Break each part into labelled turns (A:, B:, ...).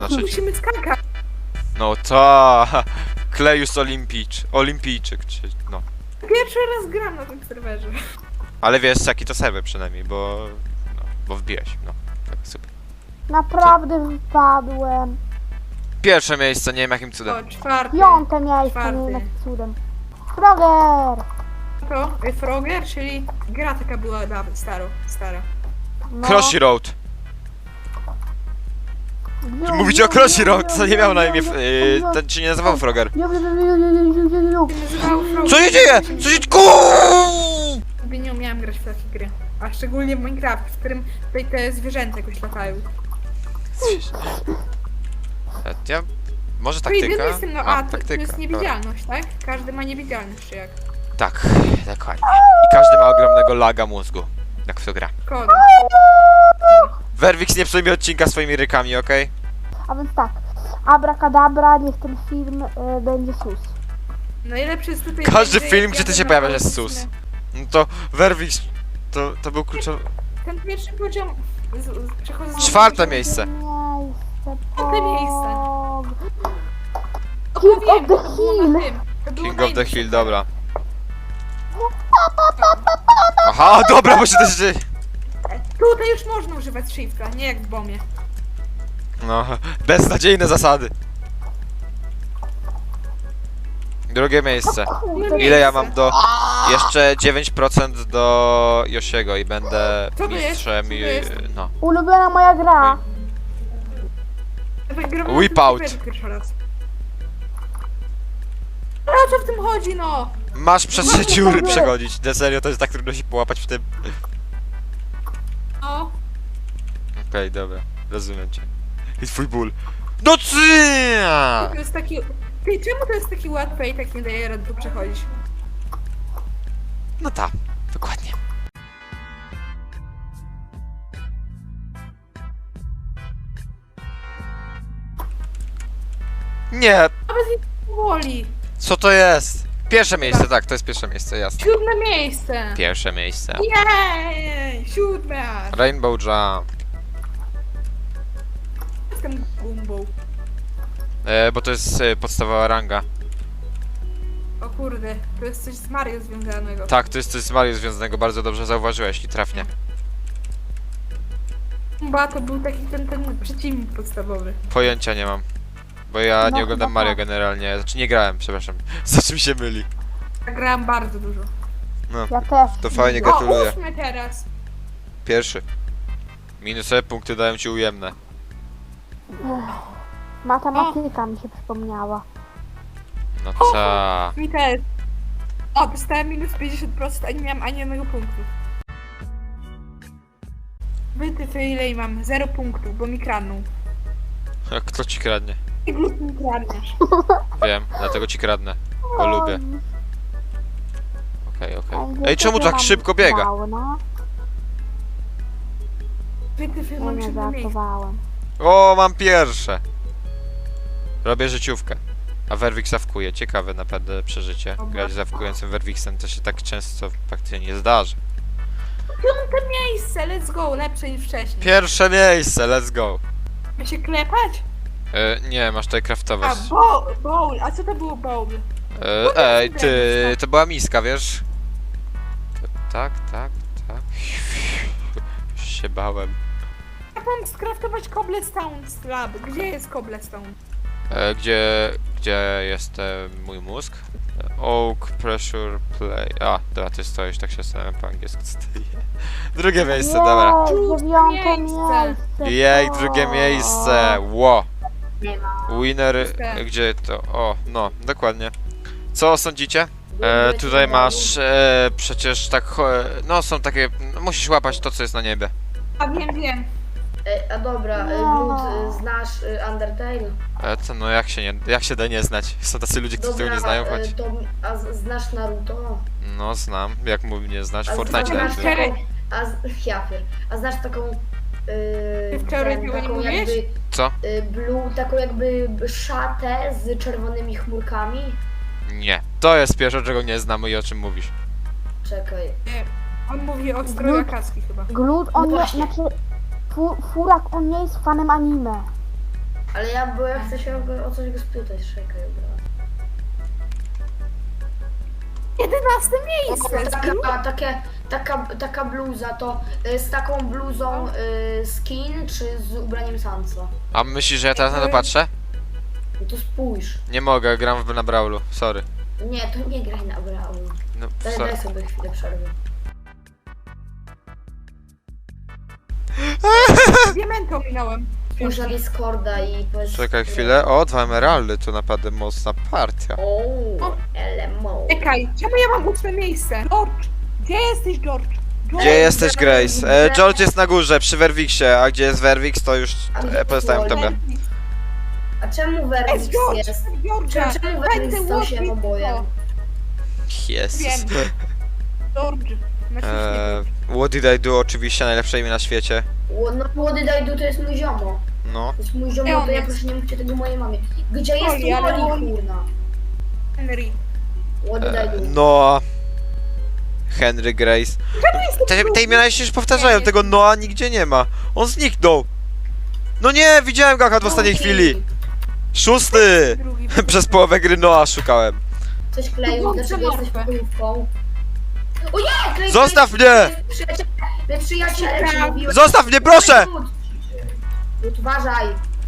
A: Znaczy,
B: Musimy skakać.
A: no to Klejus Olimpijczyk, no.
B: Pierwszy raz gram na tym serwerze.
A: Ale wiesz jaki to serwer przynajmniej, bo wbiłeś, no. Tak, super.
C: Naprawdę wypadłem.
A: Pierwsze miejsce, nie wiem jakim cudem.
B: O, czwarty.
C: 5. miejsce,
B: Czwarty.
C: nie wiem jakim cudem. Froger!
B: To Frogger, czyli gra taka była dawno, stara.
C: No.
A: Crossy Road. Mówicie o Crossy Road, co nie miał na imię, ten się nie nazywał Frogger.
B: Się nazywało Frogger.
A: Co się dzieje? Co się...
B: Nigdy nie umiałam grać w takie gry. A szczególnie w Minecraft, w którym tutaj te zwierzęta jakoś latają.
A: Ja... Może
B: To
A: taktyka?
B: jedyny jestem, no
A: A,
B: to
A: taktyka,
B: jest
A: dobra.
B: niewidzialność, tak? Każdy ma niewidzialność, czy jak?
A: Tak, dokładnie. I każdy ma ogromnego laga mózgu, jak w to gra.
B: Kogo?
A: Werwix, nie psuj mi odcinka swoimi rykami, okej?
C: A więc tak. Abracadabra, niech ten film będzie sus.
B: Najlepszy jest tutaj...
A: Każdy
B: że
A: film,
B: jak
A: gdzie ty
B: jadę
A: się
B: na
A: pojawiasz, jest
B: autobus,
A: sus. No to Werwix, to był kluczowy...
B: Ten pierwszy poziom... Przechodzę z...
A: Czwarte miejsce.
B: Czwarte miejsce.
C: King of the Hill.
A: King of the Hill, dobra. Aha, dobra, bo się też dzieje.
B: Tutaj już można używać shifta, nie jak w bomie.
A: No, beznadziejne zasady. Drugie miejsce. Ile ja mam do... Jeszcze 9% do Yoshiego i będę
B: Co to jest?
A: mistrzem
B: Co to
A: i...
B: jest?
A: no.
C: Ulubiona moja gra.
A: Whip out.
B: Pierwszy raz. Ale o co w tym chodzi, no?
A: Masz przez te dziury przechodzić. Na serio, to jest tak trudno się połapać w tym.
B: No.
A: Okej, dobra. Rozumiem cię. I twój ból. No ty!
B: To jest taki... Ty, czemu to jest taki łatwe i tak nie daje rady tu przechodzić?
A: No tak, dokładnie. Nie,
B: A bez nic woli.
A: co to jest? Pierwsze miejsce, tak, to jest pierwsze miejsce, jasne.
B: 7. miejsce.
A: Pierwsze miejsce.
B: Jej! 7.
A: Rainbow Jump.
B: Jestem gumbą.
A: Bo to jest podstawowa ranga.
B: O kurde, to jest coś z Mario związanego.
A: Tak, to jest coś z Mario związanego, bardzo dobrze zauważyłeś i trafnie.
B: Gumba to był taki ten przeciwnik podstawowy.
A: Pojęcia nie mam. Bo ja
C: No,
A: nie oglądam
C: chyba
A: Mario
C: tak.
A: generalnie, znaczy nie grałem, przepraszam. Za czym się myli?
B: Ja grałam bardzo dużo.
A: No,
C: Ja też.
A: to fajnie,
B: O,
A: gratuluję.
B: 8 teraz.
A: Pierwszy. Minusowe punkty dają ci ujemne.
C: Matematyka mi się przypomniała.
A: No co?
B: Mi też. O, dostałem minus 50%, a nie miałam ani jednego punktu. Wytyfy ile i mam? 0 punktów, bo mi kradną.
A: Kto ci kradnie?
B: I glut mi kradniesz.
A: Wiem, dlatego ci kradnę. Bo lubię. Okej. Ej, czemu
C: Angielskiego
A: tak
C: mam
A: szybko biega?
C: fauna.
B: Wytyfy
C: Ja
B: mam
C: nie
B: 7 miejsce.
C: żartowałem.
A: O, mam pierwsze. Robię życiówkę. A Werwix zawkuje. Ciekawe naprawdę przeżycie. Grać zawkującym Werwixem to się tak często praktycznie nie zdarzy.
B: 5. miejsce, let's go, lepsze niż wcześniej.
A: Pierwsze miejsce, let's go.
B: Ma się klepać?
A: Nie, masz tutaj craftować.
B: A, bowl, a co to było bowl?
A: Ej, ty, to była miska, wiesz? Tak. Już się bałem.
B: Jak mam skraftować cobblestone slab? Gdzie jest cobblestone?
A: Gdzie jest mój mózg? Oak, pressure, play. A, dobra, ty stoisz, tak się zastanawiam po angielsku, co to jest. Drugie miejsce, dobra.
C: Jej, 9.
B: Miejsce.
C: miejsce.
A: Jej,
C: to.
A: drugie miejsce, ło. Winner,
B: Szóste.
A: gdzie to? O, no, dokładnie. Co sądzicie? Tutaj masz przecież tak, no są takie, no, musisz łapać to, co jest na niebie.
B: A wiem.
D: A dobra,
C: No.
D: Blood, znasz Undertale?
A: Co, no jak się da nie znać? Są tacy ludzie, którzy tego nie znają, choć...
D: Znasz Naruto?
A: No, znam, jak mówi nie znać,
D: A
A: Fortnite
D: znasz
A: najlepiej.
B: Cztery.
D: A znasz taką...
B: Wczoraj tego nie
D: taką
B: mówiłeś?
D: jakby...
A: Co?
D: Blue, taką jakby szatę z czerwonymi chmurkami?
A: Nie. To jest pierwsze, czego nie znam i o czym mówisz.
D: Czekaj.
B: On mówi o stroju Akatsuki chyba.
C: Glut, on
D: No
C: nie,
D: właśnie.
C: znaczy... Furak, on nie jest fanem anime.
D: Ale ja chcę się o coś go spytać, czekaj, dobra.
B: 11 miejsce!
D: Taka bluza, to z taką bluzą skin, czy z ubraniem Sansa?
A: A myślisz, że ja teraz na to patrzę?
D: No to spójrz.
A: Nie mogę, gram na Brawlu, sorry.
D: Nie, to nie graj na Brawl.
A: No,
D: Daj
A: sorry.
D: sobie chwilę przerwy.
B: Diamenta ominąłem.
D: Spójrz na Discorda i powiedz...
A: Czekaj chwilę, o, 2 emeraldy, to naprawdę mocna partia.
D: O, LMO.
B: Czekaj, czemu ja mam 8 miejsce? George! Gdzie jesteś, George?
A: Gdzie jesteś, Grace? George jest na górze, przy Werwiksie, a gdzie jest Werwix, to już pozostawiam tobie.
D: A czemu
B: Jest
D: Verwix
B: George!
D: jest?
B: George'a!
D: Czemu
B: Daj
D: Verwix
B: te
D: stał się
B: łapki,
D: obojem?
A: Jezus.
B: Wiem. George. Na świecie.
A: What did I do? Oczywiście najlepsze imię na świecie.
D: No Młody Dajdu to jest mój ziomo.
A: No.
D: To jest mój
B: Gdzie
D: ziomo,
B: on
D: to ja
B: jest?
D: proszę nie mówcie tego mojej mamie. Gdzie jest
B: Oli, ale
D: Woli,
B: Oli-
D: kurna?
B: Henry.
D: Młody Dajdu.
A: Noah. Henry, Grace. Te imiona się już powtarzają, tego Noah nigdzie nie ma. On zniknął. No nie, widziałem go akurat w ostatniej chwili. 6.
B: Drugi.
A: Przez połowę gry Noah szukałem.
D: Coś kleił,
B: No,
D: dlaczego jesteś
B: martwe.
D: pokojówką? O nie! Klej,
A: Zostaw
D: klej,
A: mnie!
D: My przyjaciele ci mówiłem.
A: Zostaw mnie, proszę!
D: Lud, uważaj.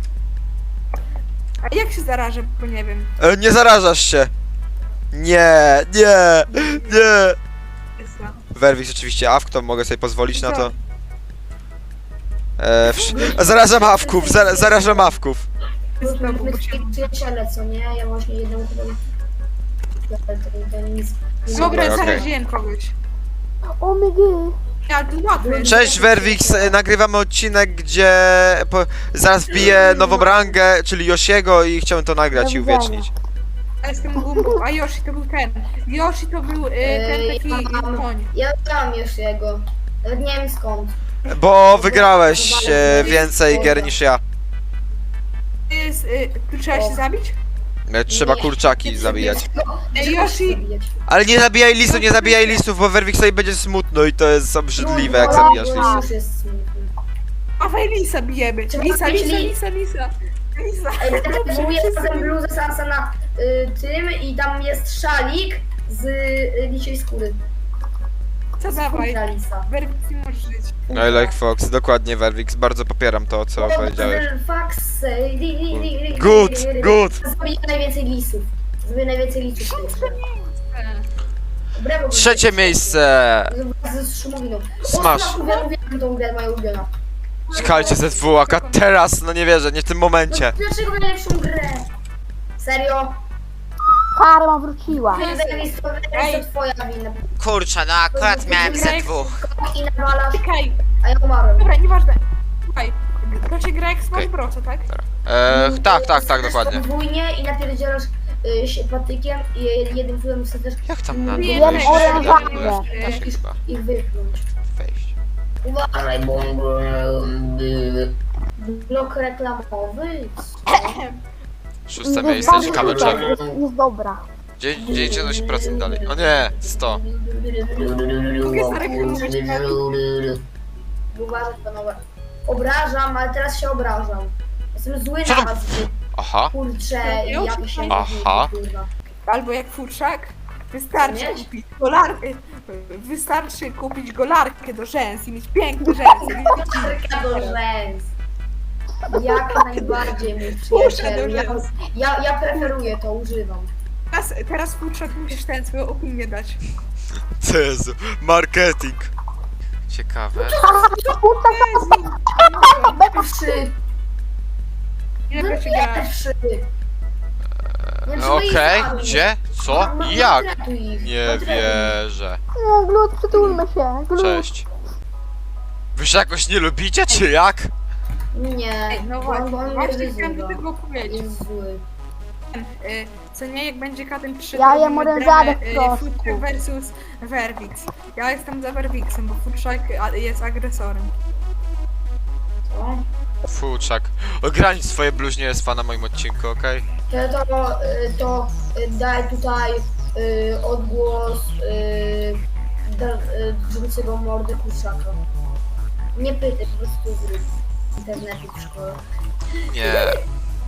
B: A jak się zarażę, bo nie wiem.
A: Nie zarażasz się. Nie, nie, nie. Werwix oczywiście awk, to mogę sobie pozwolić na to. Zarażam awków, zarażam awków.
B: Znowu,
D: My
B: bo się...
D: przyjaciele, co nie? Ja właśnie jedną chyba... To nic...
B: Dobra,
A: okej.
B: zaraziłem kogoś.
C: O my god.
B: Ja łatwy.
A: Cześć Werwix, nagrywamy odcinek, gdzie zaraz wbiję nową rangę, czyli Yoshiego i chciałem to nagrać i uwiecznić.
B: Ja jestem Gumbą, a Yoshi to był ten. Yoshi to był ten taki koń.
D: Ja mam już jego. Nawet nie wiem skąd.
A: Bo wygrałeś więcej gier niż ja.
B: Jest, tu trzeba się zabić?
A: Trzeba
D: Nie,
A: kurczaki
D: nie
A: zabijać.
B: Ej,
D: Trzeba
B: Yoshi.
D: zabijać.
A: Ale nie zabijaj listów, bo Werwixowi będzie smutno i to jest obrzydliwe, jak zabijasz
D: No,
A: listy.
D: już jest smutny.
B: Dawaj Lisa bijemy.
D: Trzeba
B: Lisa,
D: zabić
B: Lisa,
D: Lisa.
B: Lisa, Lisa.
D: Ej, mówię razem bluzę Sansa na tym i tam jest szalik z lisiej skóry.
B: Co dawaj?
D: Skóra lisa.
B: Werwix nie możesz żyć.
A: I like Fox, dokładnie Werwix, bardzo popieram to, co powiedziałeś. Good, good.
D: Zabiję najwięcej lisów. Zabiję najwięcej lisów. Brawo,
A: Trzecie miejsce!
D: Z Szumowiną.
A: Smash.
D: Uwielbiam tą grę, moja ulubiona.
A: Czekajcie, ZW, akurat teraz, no nie wierzę, nie w tym momencie.
D: No, dlaczego najlepszą grę? Serio?
C: Karma wróciła.
D: To twoja wina.
A: Kurczę, no akurat miałem
B: ZW.
D: I nawalasz,
B: Czekaj,
D: a ja umarłem.
B: dobra, nieważne. Słuchaj, to się gra jak Smash
A: Okej.
B: Bros, tak?
A: Tak, dokładnie.
D: Podwójnie i napierdzielasz się patykiem i jednym cudem chcesz
A: Jak tam na dół
B: Nie,
A: wejść?
C: orężadę.
A: Da się chyba
D: ich wypchnąć.
A: wejść.
D: Uważaj, bo... Blok reklamowy?
A: Szóste miejsce, ciekawe czemu.
C: Jest dobra.
A: Gdzie idzie 8% dalej? O nie, 100.
B: Mogę zareklamować
D: Uważaj, panowie. Obrażam, ale teraz się obrażam. Jestem zły
A: Co
D: na
A: to-
D: was.
A: Aha.
D: Kurczę,
B: Już?
D: jak się
A: Aha.
D: kurwa.
B: Albo jak futrzak, wystarczy
D: Nie?
B: kupić golarkę. Wystarczy kupić golarkę do rzęs i mieć piękne rzęsy.
D: Marka do rzęs. Jak najbardziej, mój przyjaciel. Ja preferuję to, używam.
B: Teraz futrzak musisz ten swoją opinię dać.
A: Jezu, marketing. Ciekawe.
D: Pierwszy.
B: Ile to się gra?
D: Pierwszy.
A: Okej, gdzie? Co? I jak? Nie
D: wiem.
A: wierzę.
C: Nie, Glut, przytulmy się. Glut.
A: Cześć. Wy się jakoś nie lubicie, czy jak?
D: Nie,
B: No
D: bo on
B: właśnie,
D: mnie
B: właśnie chciałem do
D: wyzywa.
B: tego powiedzieć.
D: Jest zły.
B: Co nie, jak będzie Katem 3,
C: Ja
B: to
C: jem
B: robimy
C: orężadę
B: dramę,
C: w proszku.
B: Futrzak versus Werwix. Ja jestem za Werwixem, bo Futrzak jest agresorem.
D: Co?
A: Fuczak. Ogranicz swoje bluźnie z na moim odcinku, okej?
D: To daj tutaj odgłos drżącego mordy kurczaka. Nie pytaj, po prostu zrób. W internecie w szkole.
A: Nie.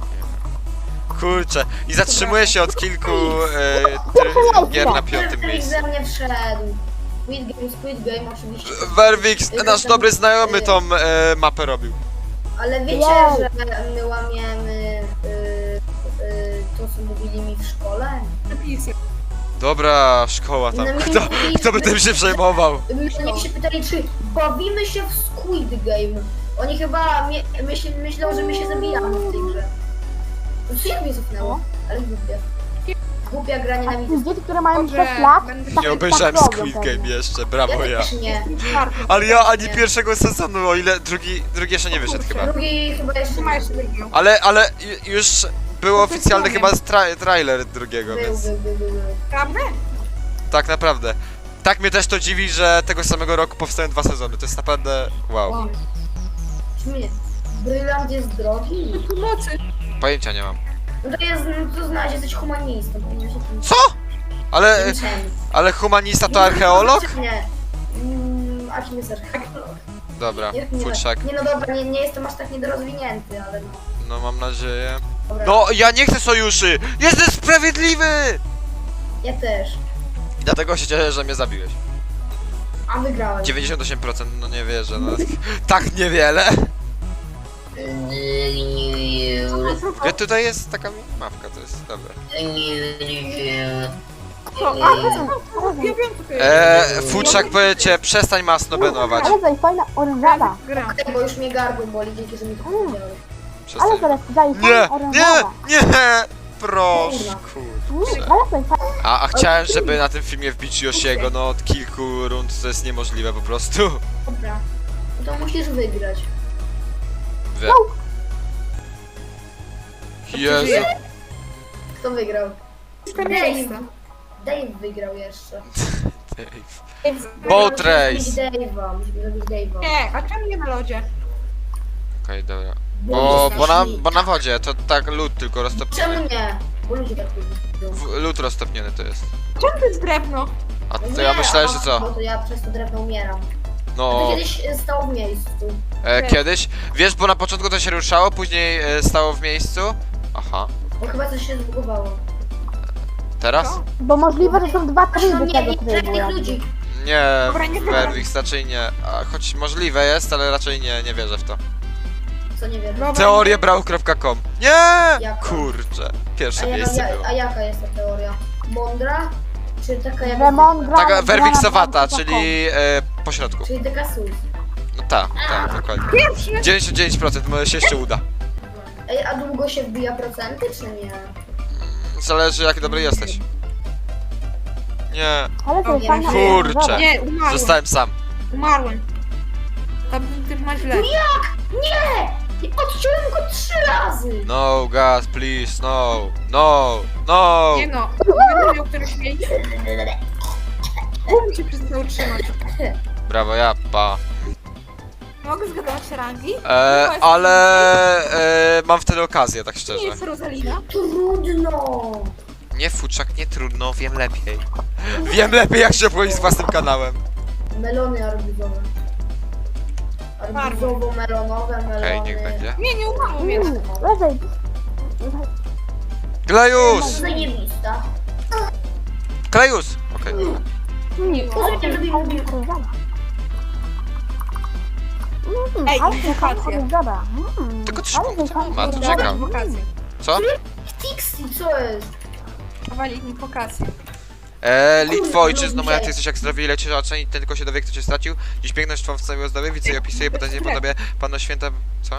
A: Kurczę. I zatrzymuję się od kilku gier na 5.
D: Felix
A: miejscu.
D: ze mnie wszedł. Squid Game oczywiście.
A: Werwix, nasz dobry znajomy tą mapę robił.
D: Ale wiecie,
C: Jej.
D: że my łamiemy to, co mówili mi w szkole?
B: Napisy.
A: Dobra, szkoła tam.
D: No mi
A: Kto by tym się przejmował?
D: Mnie się pytali, czy bawimy się w Squid Game. Oni chyba myślą, że my się zabijamy w tej grze. No co jak mnie cofnęło? Ale głupie. Głupia gra nienawidzę.
C: Dzieci, które mają
B: Dobrze,
C: 6 lat,
B: będę
C: tak,
A: Nie obejrzałem
C: robią
A: Squid
C: pewnie.
A: Game jeszcze, brawo ja.
D: też nie.
A: Ale ja ani pierwszego sezonu, o ile drugi jeszcze nie wyszedł chyba.
D: Drugi chyba jeszcze
B: Trzymaj
D: nie.
B: się wygrał.
A: Ale już był oficjalny chyba trailer drugiego,
D: Był.
A: więc
B: Prawda?
A: tak naprawdę. Tak mnie też to dziwi, że tego samego roku powstają 2 sezony. To jest naprawdę wow.
D: Czy mnie? Brylant jest drogi?
B: Pomocy.
A: Pojęcia nie mam.
D: No to znasz, jesteś humanistą. Powinien się tym
A: Co? Ale humanista to archeolog?
D: Nie. A kim jest archeolog?
A: Dobra,
D: Nie,
A: futrzak.
D: nie, no dobra, nie jestem aż tak niedorozwinięty, ale no.
A: No mam nadzieję.
D: Dobra.
A: No ja nie chcę sojuszy! Jestem sprawiedliwy!
D: Ja też.
A: Dlatego się cieszę, że mnie zabiłeś.
D: A wygrałem.
A: 98%, no nie wierzę, no. Tak niewiele. Gdzie tutaj jest taka mapka, to jest dobre.
B: Ja wiem, co to jest.
A: Futrzak powiecie, przestań masno benować.
C: Ale to jest fajna orężada.
B: Gra.
D: Tak, bo już mnie gardło boli, dzięki, że mi to powiedziałeś.
A: Przestań.
C: Ale to jest fajna
A: Nie,
C: orężada.
A: nie! Proszę, kur.
C: Ale to jest fajna.
A: A chciałem, żeby na tym filmie wbić Yoshiego, no od kilku rund to jest niemożliwe po prostu.
D: Dobra. No to musisz wygrać.
A: Wie. Jezu.
D: Kto wygrał?
B: Cztery miejsca.
D: Dave wygrał jeszcze.
A: Boat race.
D: Musimy zrobić Dave'a.
B: Nie, a czemu nie na lodzie?
A: Okej, dobra.
D: Bo
A: Bo na wodzie, to tak lód tylko
D: Czemu
A: roztopniony.
D: nie? Bo ludzie tak lubią.
A: Lód roztopniony to jest.
B: Czemu to jest drewno?
A: A
D: No
A: to ja
D: nie,
A: myślałem, że
D: Bo
A: co?
D: to ja przez to drewno umieram. To
A: No,
D: kiedyś stało w miejscu.
A: kiedyś. Wiesz, bo na początku to się ruszało, później stało w miejscu. Aha,
D: Bo chyba coś się zbugowało.
A: teraz?
B: Co?
C: Bo możliwe, że są dwa
D: No
C: tryby
D: nie,
C: tego
D: nie
C: trybu.
D: tych
C: jakby.
D: ludzi.
A: Nie,
B: Dobra, nie
A: Werwix raczej nie. A, choć możliwe jest, ale raczej nie wierzę w to.
D: Co nie wiem.
B: Dobra.
A: Teoriebrał.com. Nie!
D: Jaka?
A: Kurczę, pierwsze miejsce było.
D: A jaka jest ta teoria? Mądra? Czy taka jak...
C: Że mądra-
A: Taka Werwixowata,
C: Grana
A: czyli po środku.
D: Czyli taka sus.
A: No tak, dokładnie.
B: Pierwszy.
A: 99%, może się jeszcze uda.
D: Ej, a długo się wbija procenty, czy nie?
A: Zależy jak dobry jesteś. Nie,
C: Ale to jest
D: Nie,
C: fajna
A: kurczę.
C: orężada.
B: Nie, umarłem.
A: zostałem sam.
B: Umarłem. Tam ty masz źle.
D: Nie! Odciąłem go 3 razy!
A: No, God, please, no.
B: Nie no, będę miał któreś miejsce. Muszę się przestał utrzymać.
A: Brawo, ja, pa.
B: Mogę zgadywać rangi?
A: Ale mam wtedy okazję, tak
B: Nie
A: szczerze.
B: jest Rosalina.
D: Trudno!
A: Nie, futrzak, nie trudno, wiem lepiej. Wiem lepiej jak się obchodzić z własnym kanałem.
D: Melony arbuzowe. Arbuzowo-melonowe, melony...
A: Okej, niech będzie.
B: Nie umarłem jeszcze.
C: Leżej.
A: Klejus!
D: Zajebista.
A: Klejus! Okej.
D: Pozwólcie, żeby mi mówił.
C: Orężada.
B: Ej,
C: Ale to jest fajna
B: inwokacja.
C: orężada.
A: Tylko 3
C: Ale to
A: punkty
C: jest fajna
A: ma, to
C: orężada.
A: czekam.
B: Inwokacje.
A: Co?
D: Tixi, co jest?
B: Chowali inwokacje.
A: Litwo, ojczyzno moja, ty jesteś jak zdrowie i lecisz, a ocenić ten tylko się dowie, kto cię stracił. Dziś piękność twą w całej ozdoby, widzę i opisuję, bo to nie podobie Pano Święta... Co?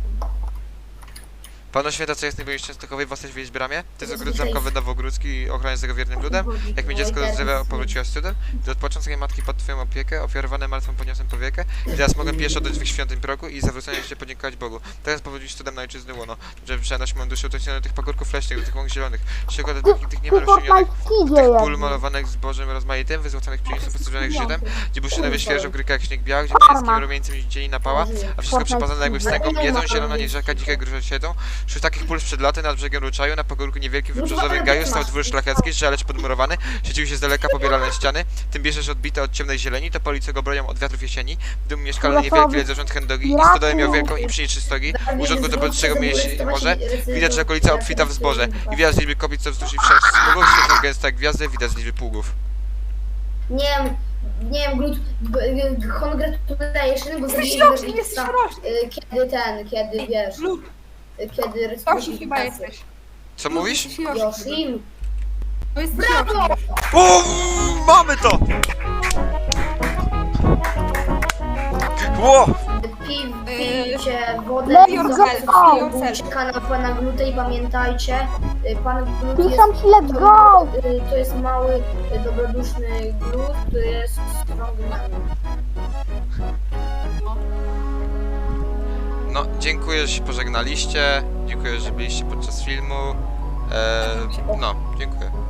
A: Pano Święta, co jest najbliższej Częstochowej, własność wiedzieć bramie? Ty z ogród zamkowy Nowogródzki i ochroniarz tego wiernym ludem? Jak mi dziecko do zdrowia powróciłaś cudem? Gdy odpoczął swojej matki pod twoją opiekę, ofiarowane martwą podniosłem powiekę i teraz mogę pieszo do drzwi świątyń progu i zawrócenie się podziękować Bogu. Teraz powrócić cudem na ojczyzny łono, że przenoś moją duszę utocznioną do tych pagórków leśnych, do tych łąk zielonych, przykład do tych niemal roślinionych,
C: Fortnite
A: tych
C: jest.
A: pól malowanych zbożem rozmaitym, wyzłoconych pszenicą, postrzeżonych żytem, gdzie buszynowie świeżo gryka jak śnieg biały, gdzie pańskim rumieńcem dzieli napała, a wszystko przypazane jakby wstęgą, jedzą, zielona niż rzeka, dzikie gruże siedzą, Wśród takich pól sprzed laty nad brzegiem Ruczaju, na pagórku niewielkim wybrzeżowym gaju stał dwór szlachecki, żaleć podmurowany, świeciły się z daleka pobielane ściany, tym bierzesz odbite od ciemnej zieleni, to police go bronią od wiatrów jesieni, w domu mieszkalny niewielki lecz zarząd chędogi, i stodołę miał wielką i pszeniczny stogi, urządku do powyższego mieści może, widać, że okolica obfita w zboże, i widać z liczby kobiet, co wzdłuż i wszerz smugów, świecą gęste jak gwiazdy, widać z liczby pługów.
D: Nie wiem, congratulation, bo
B: Jesteś
D: zabiję
B: roczny, jesteś roczny.
D: kiedy wiesz,
B: Lud,
D: kiedy
B: Yoshi chyba jesteś.
A: Co mówisz?
B: Jesteś Yoshi.
D: Yoshi.
B: To jest
D: Brawo!
B: Yoshi.
A: Mamy to! Ło!
D: Pijcie wodę
C: Let's
D: i
C: go!
D: zobaczcie kanał pana Glutę i pamiętajcie, pan Glut jest,
C: Piszą ci let's go!
D: to jest mały, dobroduszny Glut, który jest strongmanem.
A: No, dziękuję, że się pożegnaliście. Dziękuję, że byliście podczas filmu. No, dziękuję.